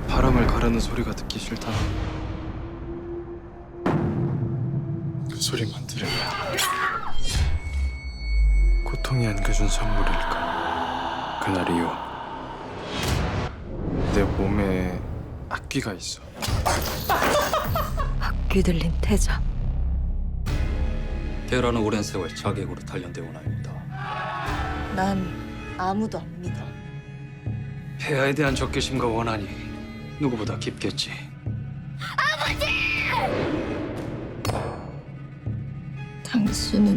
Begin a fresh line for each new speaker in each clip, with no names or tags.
바람을 가르는 소리가 듣기 싫다. 그 소리만 들으면 고통이 안겨준 선물일까. 그날 이후 내 몸에 악귀가 있어.
악귀 들린 태자.
테라는 오랜 세월 자객으로 단련되어 온 아입니다.
난 아무도 안 믿어.
폐하에 대한 적개심과 원한이 누구보다 깊겠지.
당신은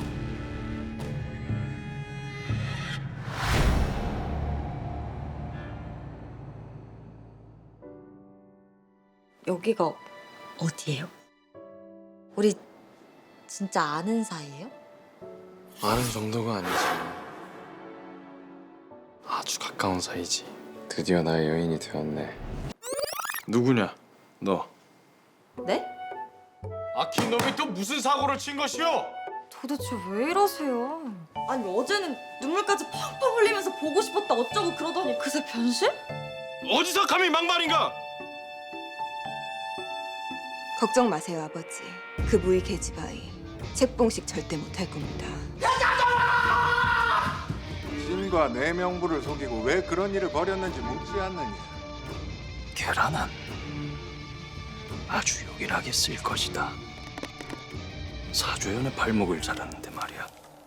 여기가 어디예요? 우리 진짜 아는 사이예요?
아는 정도가 아니지. 아주 가까운 사이지. 드디어 나의 여인이 되었네. 누구냐? 너.
네?
아킨 놈이 또 무슨 사고를 친 것이오?
도대체 왜 이러세요? 아니 어제는 눈물까지 펑펑 흘리면서 보고 싶었다 어쩌고 그러더니 그새 변신?
어디서 감히 막말인가?
걱정 마세요, 아버지. 그 무의 계집아이 책봉식 절대 못할 겁니다.
신과 내 명부를 속이고 왜 그런 일을 벌였는지 묻지 않느냐.
계란은 아주 요긴하게 쓸 것이다. 사조연의 발목을 자르는데 말이야.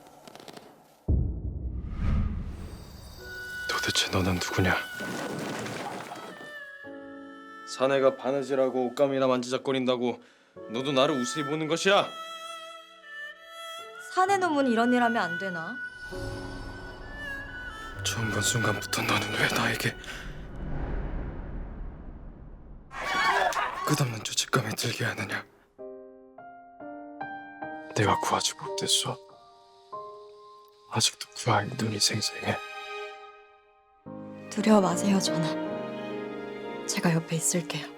도대체 너는 누구냐? 사내가 바느질하고 옷감이나 만지작거린다고 너도 나를 우스히 보는 것이야?
사내 놈은 이런 일 하면 안 되나?
처음 본 순간부터 너는 왜 나에게 끝없는 죄책감이 들게 하느냐? 내가 구하지 못했어. 아직도 구할 눈이 생생해.
두려워 마세요 전하. 제가 옆에 있을게요.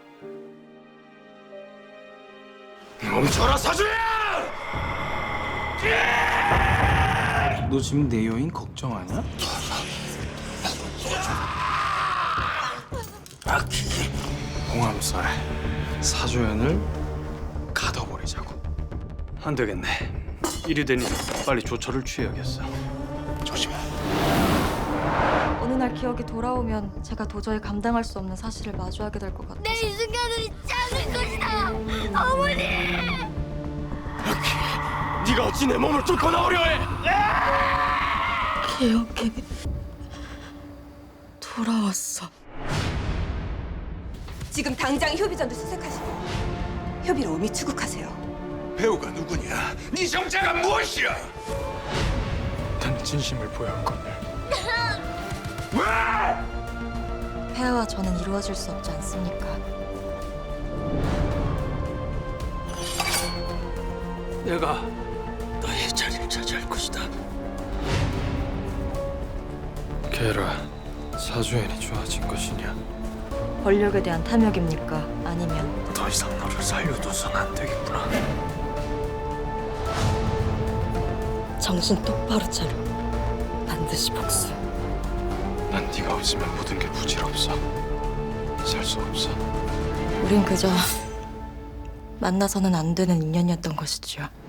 멈춰라 사주야! 너 지금 내 여인 걱정하냐? 홍암살에 사조연을 가둬버리자고.
안 되겠네. 이리 되니 빨리 조처를 취해야겠어.
조심해.
어느 날 기억이 돌아오면 제가 도저히 감당할 수 없는 사실을 마주하게 될 것 같아서.
내 이 순간을 잊지 않을 것이다. 어머니!
네가 어찌 내 몸을 뚫고 나오려 해?
기억이 돌아왔어.
지금 당장 효비전도 수색하시고 효비로 오미 추국하세요.
배우가 누구냐? 네 정체가 무엇이야?
난 진심을 보였거늘.
폐하와 저는 이루어질 수 없지 않습니까?
내가 너의 자리를 차지할 것이다.
게라, 사조연이 좋아진 것이냐?
권력에 대한 탐욕입니까? 아니면
더 이상 너를 살려둬선 안 되겠구나.
정신 똑바로 차려. 반드시 복수.
난 네가 없으면 모든 게 부질없어. 살 수 없어.
우린 그저 만나서는 안 되는 인연이었던 것이지요.